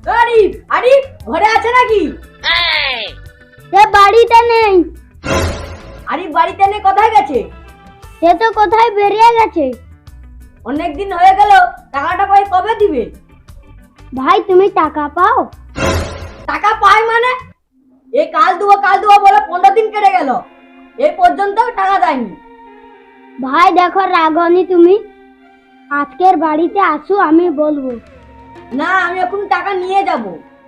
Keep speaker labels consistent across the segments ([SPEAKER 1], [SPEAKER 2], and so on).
[SPEAKER 1] আরিফ আরিফ ঘরে আছে নাকি?
[SPEAKER 2] সে বাড়িতে নেই।
[SPEAKER 1] আরিফ বাড়িতে নেই, কোথায় গেছে?
[SPEAKER 2] সে তো কোথায় বেরিয়ে গেছে।
[SPEAKER 1] অনেকদিন হয়ে গেল, টাকাটা পাই কবে দিবে?
[SPEAKER 2] ভাই তুমি টাকা পাও?
[SPEAKER 1] টাকা পাই মানে? এই কাল দেবো বলে 15 দিন কেটে গেল, এই পর্যন্ত টাকা দেয়নি।
[SPEAKER 2] ভাই দেখো রাগনি তুমি, আজকের বাড়িতে আসো আমি বলবো।
[SPEAKER 1] না, আমি এখন টাকা নিয়ে যাব।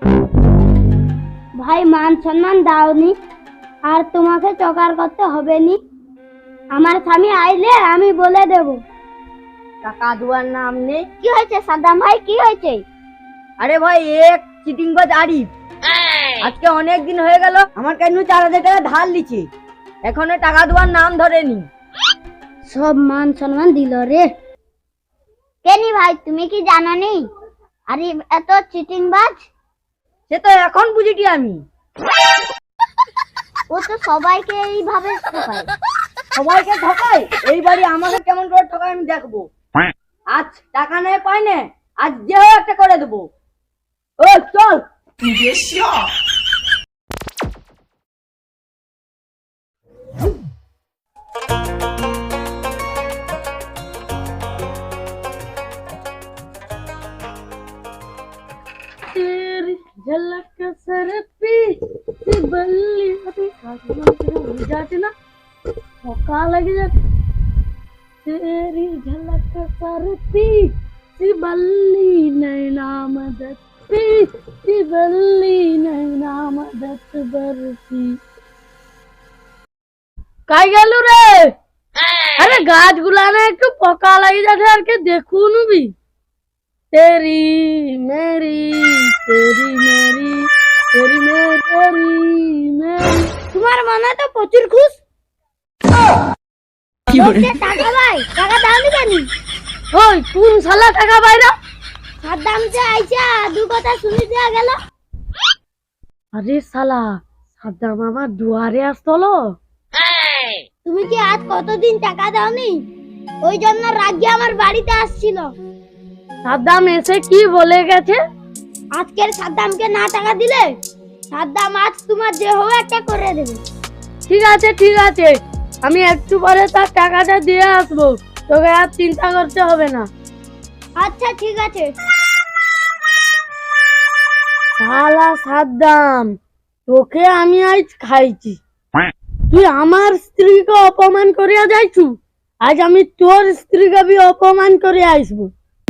[SPEAKER 2] ভাই মান সম্মান দাওনি, আর তোমাকে চকার করতে হবে নি। আমার স্বামী আইলে আমি বলে দেব।
[SPEAKER 1] টাকা দেওয়ার নাম নেই।
[SPEAKER 2] কি হয়েছে সাদ্দাম ভাই, কি হয়েছে?
[SPEAKER 1] আরে ভাই, এক চিটিংবাজ আরিফ আজকে অনেক দিন হয়ে গেল আমার কাছে 4,000 টাকা ধার লিছে, এখনো টাকা দেওয়ার নাম ধরেনি।
[SPEAKER 2] সব মান সম্মান দিল রে। কেনি ভাই তুমি কি জানো নি আরে এত চিটিং বাজ?
[SPEAKER 1] সে তো এখন বুঝিটি আমি।
[SPEAKER 2] ও তো সবাইকে এইভাবে ঠকায়।
[SPEAKER 1] সবাইকে ঠকায়, এই বাড়ি আমাকে কেমন করে ঠকায় আমি দেখবো। আজ টাকা নেই পাই না, আজ যে হোক একটা করে দেবো। ও চল। तेरी झलक सर पे बल्ली जाते ना मौका लग जाते। तेरी झलक सर पे बल्ली नैना मदद पे बल्ली नैना मदद बरसी। কাই গেল রে? আরে গাছগুলা না একটু পোকা লাগি যাচ্ছে, আর কে দেখুন বি। तेरी मेरी तेरी मेरी तेरी मेरी मेरी।
[SPEAKER 2] তোমার মনে তো প্রচুর খুশ। টাকা ভাই, টাকা দাওনি কেন?
[SPEAKER 1] ওই কোন শালা টাকা বাইরা?
[SPEAKER 2] সাদ্দাম যে আইছা দু কথা শুনি দেয়া গেল।
[SPEAKER 1] আরে শালা, সাদ্দাম আমার দুয়ারে আসতলো।
[SPEAKER 2] তুমি কি আজ কতদিন টাকা দাওনি? ওই জন্য রাগি আমার বাড়িতে আসছিল।
[SPEAKER 1] সাদ্দাম এসে কি বলে গেছে?
[SPEAKER 2] আজকের সাদ্দামকে না টাকা দিলে সাদ্দাম আজ তোমার যে হোক একটা করে দেবে।
[SPEAKER 1] ঠিক আছে ঠিক আছে, আমি একটু পরে তার টাকাটা দিয়ে আসবো, তোকে আর চিন্তা করতে হবে না।
[SPEAKER 2] আচ্ছা ঠিক আছে।
[SPEAKER 1] শালা সাদ্দাম, তোকে আমি আজ খাইছি। তুই আমার স্ত্রীকে অপমান করিয়া যাইছু, আজ আমি তোর স্ত্রীকে বি অপমান করে আসবো।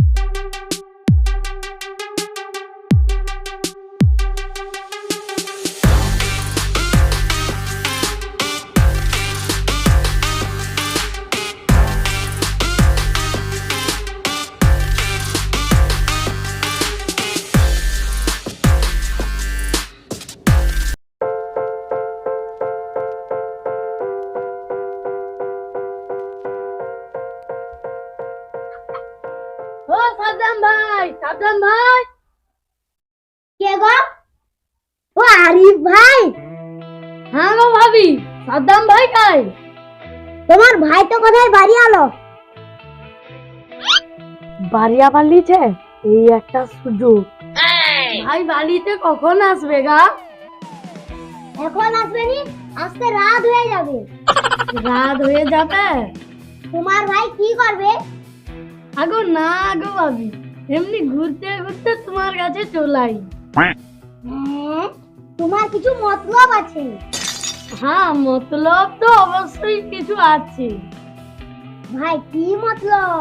[SPEAKER 1] ও সাদ্দাম ভাই, সাদ্দাম ভাই।
[SPEAKER 2] কে গো? ও আরিফ ভাই।
[SPEAKER 1] হ্যাঁ গো ভাবি, সাদ্দাম ভাই কাই?
[SPEAKER 2] তোমার ভাই তো কোথায় বাড়ি আলো?
[SPEAKER 1] বাড়িয়া পারলিছে, এই একটা সুযোগ। ভাই বাড়িতে কখন আসবে গা?
[SPEAKER 2] এখন আসবে নি, আসতে রাত হয়ে যাবে।
[SPEAKER 1] রাত হয়ে যাবে?
[SPEAKER 2] তোমার ভাই কি করবে?
[SPEAKER 1] আগো না আগো ভাবি, এমনি ঘুরতে ঘুরতে তোমার কাছে চলাই।
[SPEAKER 2] হ্যাঁ, তোমার কিছু মতলব আছে।
[SPEAKER 1] হ্যাঁ, মতলব তো অবশ্যই কিছু আছে।
[SPEAKER 2] ভাই কি মতলব?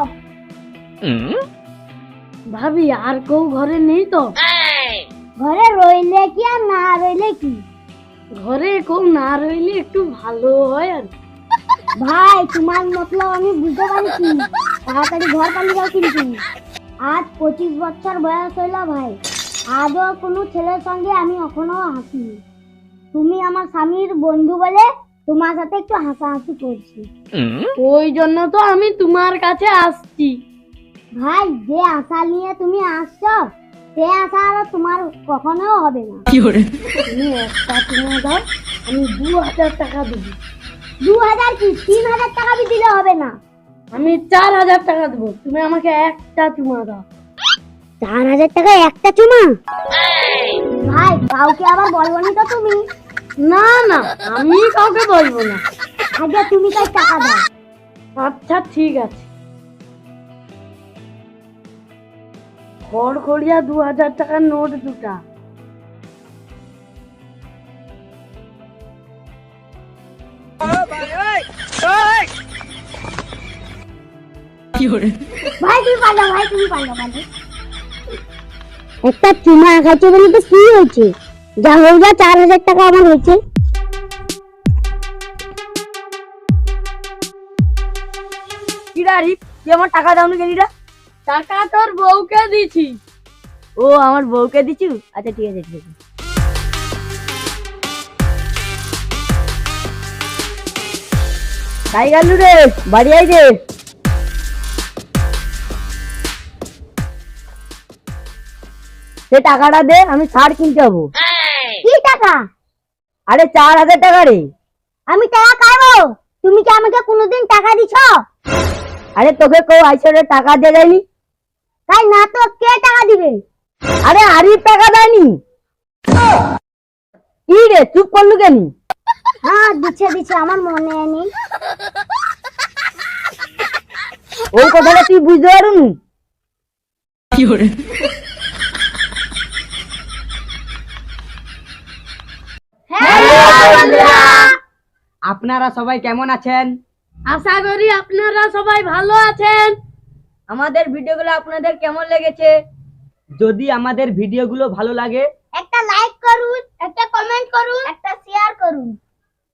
[SPEAKER 1] ভাবি আর কেউ ঘরে নেই তো?
[SPEAKER 2] ঘরে রইলে কি আর না রইলে কি?
[SPEAKER 1] ঘরে কেউ না রইলে একটু ভালো হয় আর।
[SPEAKER 2] ভাই তোমার মতলব আমি বুঝতে পারছি, তাড়াতাড়ি ঘর পালিয়ে যাও কিন্তু। আজ 25 বছর বয়স হইল ভাই, আজও কোনো ছেলের সঙ্গে আমি এখনো হাসিনি। তুমি আমার স্বামীর বন্ধু বলে তোমার সাথে একটু হাসাহাসি করছি।
[SPEAKER 1] ওই জন্য তো আমি তোমার কাছে আসছি।
[SPEAKER 2] ভাই যে আশা নিয়ে তুমি আসছো, সে আশা আর তোমার কখনো হবে না।
[SPEAKER 1] তুমি একটা কিনে দাও, আমি 2,000 টাকা দেবো।
[SPEAKER 2] 2000 কি 3000 টাকা भी দিলে হবে না।
[SPEAKER 1] আমি 4,000 টাকা দেবো, তুমি আমাকে একটা চুমা দাও।
[SPEAKER 2] 4000 টাকা একটা চুমা? ভাই কাউকে আবার বলবনি তো তুমি?
[SPEAKER 1] না না, আমি কাউকে বলবো না।
[SPEAKER 2] আগে তুমি তাই টাকা দাও।
[SPEAKER 1] আচ্ছা ঠিক আছে। খড়খড়িয়া 2000 টাকার নোট দুটা।
[SPEAKER 2] ভাই তুমি পারো, ভাই তুমি পারো, পারো। একটা চুমা খাইছে বলে তো কি হয়েছে? যা হয়ে যা 4000 টাকা আমার হয়েছে।
[SPEAKER 3] কিরা রিক, তুই আমার টাকা দাও না কেনিরা?
[SPEAKER 1] টাকা তোর বউকে দিছি।
[SPEAKER 3] ও আমার বউকে দিছু? আচ্ছা ঠিক আছে ঠিক আছে। তাই গেল রে, বাড়ি আই রে। সে টাকাটা দে, আমি সার কিনতে যাবো।
[SPEAKER 2] কি টাকা?
[SPEAKER 3] আরে 4000 টাকা রে।
[SPEAKER 2] আমি টাকা খাবো? তুমি কি আমাকে কোনোদিন টাকা দিছো?
[SPEAKER 3] আরে তোকে কেউ আইসরে টাকা দিয়ে যায়নি?
[SPEAKER 2] তাই না তো কে টাকা দিবে?
[SPEAKER 3] আরে আরিফ টাকা দেয়নি। কি রে চুপ করলু কেন?
[SPEAKER 2] হ্যাঁ দিচ্ছে দিচ্ছে, আমার মনে নেই।
[SPEAKER 3] ওই কথাটা তুই বুঝতে পারুন? আপনারা সবাই কেমন আছেন?
[SPEAKER 1] আশা করি আপনারা সবাই ভালো আছেন।
[SPEAKER 3] আমাদের ভিডিওগুলো আপনাদের কেমন লেগেছে? যদি আমাদের ভিডিওগুলো ভালো লাগে
[SPEAKER 2] একটা লাইক করুন, একটা কমেন্ট করুন, একটা শেয়ার করুন।